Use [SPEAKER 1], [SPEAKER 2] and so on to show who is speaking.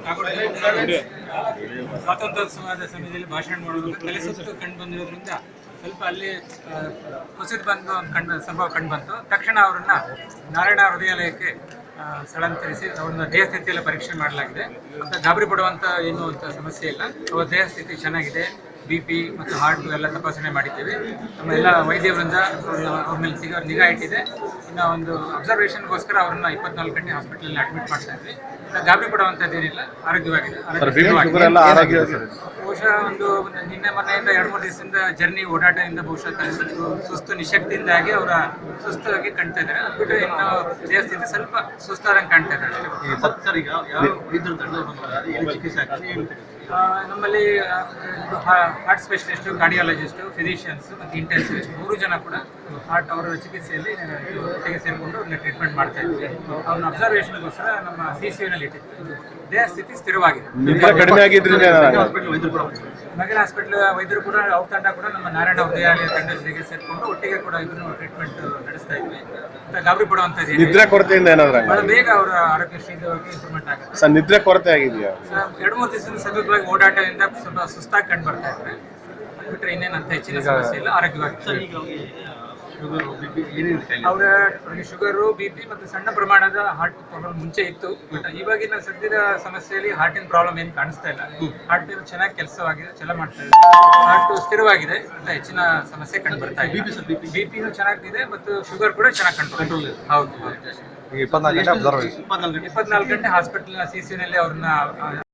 [SPEAKER 1] ಸ್ವಾತಂತ್ರ್ಯೋತ್ಸವದ ಸಮಯದಲ್ಲಿ ಭಾಷಣ ಮಾಡುವಾಗ ತಲೆ ಸುತ್ತು ಕಂಡು ಬಂದಿರೋದ್ರಿಂದ ಸ್ವಲ್ಪ ಅಲ್ಲಿ ಕುಸಿದು ಬಂದು ಸಂಭವ ಕಂಡು ಬಂತು. ತಕ್ಷಣ ಅವರನ್ನು ನಾರಾಯಣ ಹೃದಯಾಲಯಕ್ಕೆ ಸ್ಥಳಾಂತರಿಸಿ ಅವ್ರನ್ನ ದೇಹ ಸ್ಥಿತಿಯೆಲ್ಲ ಪರೀಕ್ಷೆ ಮಾಡಲಾಗಿದೆ. ಅಂತ ಗಾಬರಿ ಪಡುವಂಥ ಏನೂ ಅಂತ ಸಮಸ್ಯೆ ಇಲ್ಲ. ಅವ್ರ ದೇಹ ಸ್ಥಿತಿ ಚೆನ್ನಾಗಿದೆ. BP ಮತ್ತು ಹಾರ್ಟ್ ಎಲ್ಲ ತಪಾಸಣೆ ಮಾಡಿದ್ದೇವೆ. ನಮ್ಮ ಎಲ್ಲ ವೈದ್ಯವರಿಂದ ಅವ್ರ ಮೇಲೆ ನಿಗಾ ಇಟ್ಟಿದೆ. ಇನ್ನು ಒಂದು ಅಬ್ಸರ್ವೇಷನ್ಗೋಸ್ಕರ ಅವ್ರನ್ನ 24 ಗಂಟೆ ಹಾಸ್ಪಿಟಲಲ್ಲಿ ಅಡ್ಮಿಟ್ ಮಾಡ್ತಾ ಇದ್ವಿ. ಗಾಬರಿ ಪಡುವಂಥದ್ದೇನಿಲ್ಲ, ಆರೋಗ್ಯವಾಗಿದೆ. ಬಹುಶಃ ನಿನ್ನೆ ಮೊನ್ನೆಯಿಂದ 2-3 ದಿವಸದಿಂದ ಜರ್ನಿ ಓಡಾಟದಿಂದ ಬಹುಶಃ ಸುಸ್ತು ನಿಶಕ್ತಿಯಿಂದಾಗಿ ಅವರ ಸುಸ್ತಾಗಿ ಕಾಣ್ತಾ ಇದ್ದಾರೆ. ಅದು ಬಿಟ್ಟರೆ ಇನ್ನು ದೇಹ ಸ್ಥಿತಿ ಸ್ವಲ್ಪ ಸುಸ್ತಾದಂಗೆ ಕಾಣ್ತಾ ಇದ್ದಾರೆ ಅಷ್ಟೇ. ನಮ್ಮಲ್ಲಿ ಹಾರ್ಟ್ ಸ್ಪೆಷಲಿಸ್ಟು, ಕಾರ್ಡಿಯಾಲಜಿಸ್ಟು, ಫಿಸಿಷಿಯನ್ಸ್ ಮತ್ತು ಇಂಟೆನ್ಸಿವಿಸ್ಟ್ 3 ಜನ ಕೂಡ ಹಾರ್ಟ್ ಅವರ ಚಿಕಿತ್ಸೆಯಲ್ಲಿ ಒಟ್ಟಿಗೆ ಸೇರಿಕೊಂಡು ಅವ್ರನ್ನ ಟ್ರೀಟ್ಮೆಂಟ್ ಮಾಡ್ತಾ ಇದ್ವಿ. ಅವ್ರನ್ನ ಅಬ್ಸರ್ವೇಷನ್ಗೋಸ್ಕರ ನಮ್ಮ CCUನಲ್ಲಿ ಇಟ್ಟಿದ್ವಿ. ದೇಹ ಸ್ಥಿತಿ ಸ್ಥಿರವಾಗಿದೆ. ನಗರ ಹಾಸ್ಪಿಟಲ್ ವೈದ್ಯರು ಕೂಡ ಅವ್ರ ತಂಡ ಕೂಡ ನಮ್ಮ ನಾರಾಯಣ ಹೃದಯಾಲಯ ತಂಡ ಜೊತೆಗೆ ಸೇರಿಕೊಂಡು ಒಟ್ಟಿಗೆ ಕೂಡ ಇಬ್ಬರು ಟ್ರೀಟ್ಮೆಂಟ್ ನಡೆಸ್ತಾ ಇದ್ವಿ. ಗಾಬರಿ ಪಡುವಂಥದ್ದು
[SPEAKER 2] ನಿದ್ರೆ ಕೊರತೆಯಿಂದ ಏನಾದ್ರು
[SPEAKER 1] ಬಹಳ ಬೇಗ ಅವರ ಆರೋಗ್ಯ ಶೀಘ್ರವಾಗಿ ಇಂಪ್ರೂವ್ಮೆಂಟ್ ಆಗುತ್ತೆ.
[SPEAKER 2] ಸರ್, ನಿದ್ರೆ ಕೊರತೆ ಆಗಿದೆಯಾ?
[SPEAKER 1] 2-3 ದಿವಸದಿಂದ ಸತತವಾಗಿ ಓಡಾಟದಿಂದ ಸ್ವಲ್ಪ ಸುಸ್ತಾಗಿ ಕಂಡು ಬರ್ತಾ ಇದ್ದಾರೆ. ಬಿಟ್ಟರೆ ಇನ್ನೇನಂತ ಹೆಚ್ಚಿನ ಸಮಸ್ಯೆ ಇಲ್ಲ, ಆರೋಗ್ಯವಾಗಿ. ಅವರ ಶುಗರು, BP ಮತ್ತು ಸಣ್ಣ ಪ್ರಮಾಣದ ಹಾರ್ಟ್ ಪ್ರಾಬ್ಲಮ್ ಮುಂಚೆ ಇತ್ತು. ಬಟ್ ಇವಾಗಿನ ಸದ್ಯದ ಸಮಸ್ಯೆಯಲ್ಲಿ ಹಾರ್ಟಿನ ಪ್ರಾಬ್ಲಮ್ ಏನು ಕಾಣಿಸ್ತಾ ಇಲ್ಲ. ಹಾರ್ಟ್ ಚೆನ್ನಾಗಿ ಕೆಲಸವಾಗಿದೆ, ಚಲ ಮಾಡ್ತಾ ಇದೆ. ಹಾರ್ಟ್ ಸ್ಥಿರವಾಗಿದೆ ಅಂತ ಹೆಚ್ಚಿನ ಸಮಸ್ಯೆ ಕಂಡು ಬರ್ತಾ ಇದೆ. BP ಚೆನ್ನಾಗಿದೆ ಮತ್ತು ಶುಗರ್ ಕೂಡ ಚೆನ್ನಾಗಿ ಕಂಟ್ರೋಲ್. ಹೌದು,
[SPEAKER 2] 24 ಗಂಟೆ
[SPEAKER 1] ಹಾಸ್ಪಿಟಲ್ CCUನಲ್ಲಿ ಅವ್ರನ್ನ